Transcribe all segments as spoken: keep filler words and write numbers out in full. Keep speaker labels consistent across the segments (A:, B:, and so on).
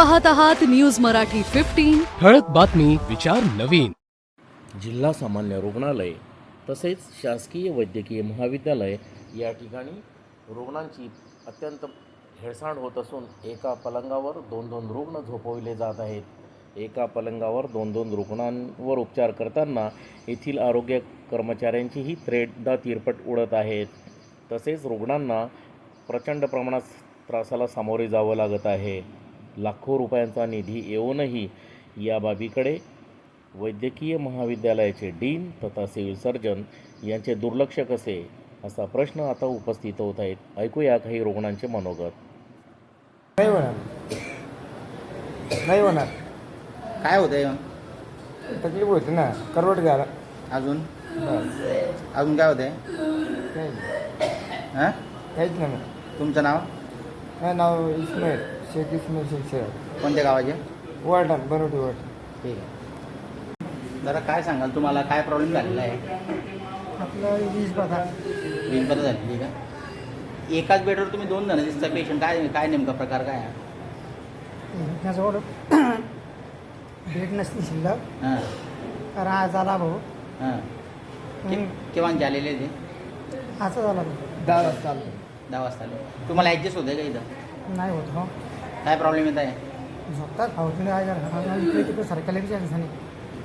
A: पाहत आहात news Marathi fifteen.
B: ठळक बातमी, विचार नवीन.
C: जिल्हा सामान्य रुग्णालय तसेच शासकीय वैद्यकीय महाविद्यालय या ठिकाणी रुग्णांची अत्यंत हेळसांड होत असून एका पलंगावर दोन दोन रुग्ण झोपविले जात आहेत. एका पलंगावर दोन दोन रुग्णांवर उपचार करताना येथील आरोग्य कर्मचाऱ्यांचीही त्रेधा तिरपट उडत आहेत. तसेच रुग्णांना प्रचंड प्रमाणात त्रासाला सामोरे जावं लागत आहे. लाखो रुपयांचा निधी येऊनही या बाबीकडे वैद्यकीय महाविद्यालयाचे डीन तथा सिव्हिल सर्जन यांचे दुर्लक्ष कसे, असा प्रश्न आता उपस्थित होत आहेत. ऐकूया काही रुग्णांचे मनोगत.
D: नाही होणार नाही होणार
E: काय होतंय मग?
D: तकलीफ होते ना, करवट घ्यायला.
E: अजून
D: बस
E: अजून काय होतंय?
D: काही
E: हां,
D: काहीच नाही.
E: तुमचं नाव?
D: माझं नाव इस्माईल शेख इस्माईल शेख शेख.
E: कोणत्या गावाचे?
D: वाटण बनवटी वाट.
E: ठीक आहे. जरा काय सांगाल, तुम्हाला काय प्रॉब्लेम झालेला आहे?
D: आपलं वीज बघा.
E: वीज बरं झालेली का? एकाच बेडवर तुम्ही दोन जण दिसता पेशंट. काय काय नेमका प्रकार काय आहे?
F: त्याजवळ भेट नसली शिल्लक
E: हां
F: राहा झाला भाऊ.
E: हां कि- केव्हाचे आलेले ते?
F: असं झाला भाऊ.
D: दहा वाजता चालू.
E: दहा वाजता आले. तुम्हाला ॲडजस्ट होतं का इथं?
F: नाही होत हो.
E: काय प्रॉब्लेम येत आहे?
F: झोपतात भाऊ तुम्ही काय करा इकडे तिकडे सरकारला विचारायचं नाही.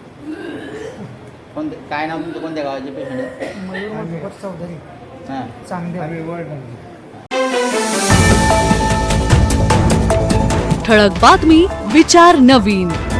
E: कोणते काय नाव तुमचं? कोणत्या गावाचे पेशंट आहे?
F: मयूर मधुकर चौधरी
E: हां
F: चांगले.
D: आम्ही वाटण.
A: ठळक बातमी, विचार नवीन.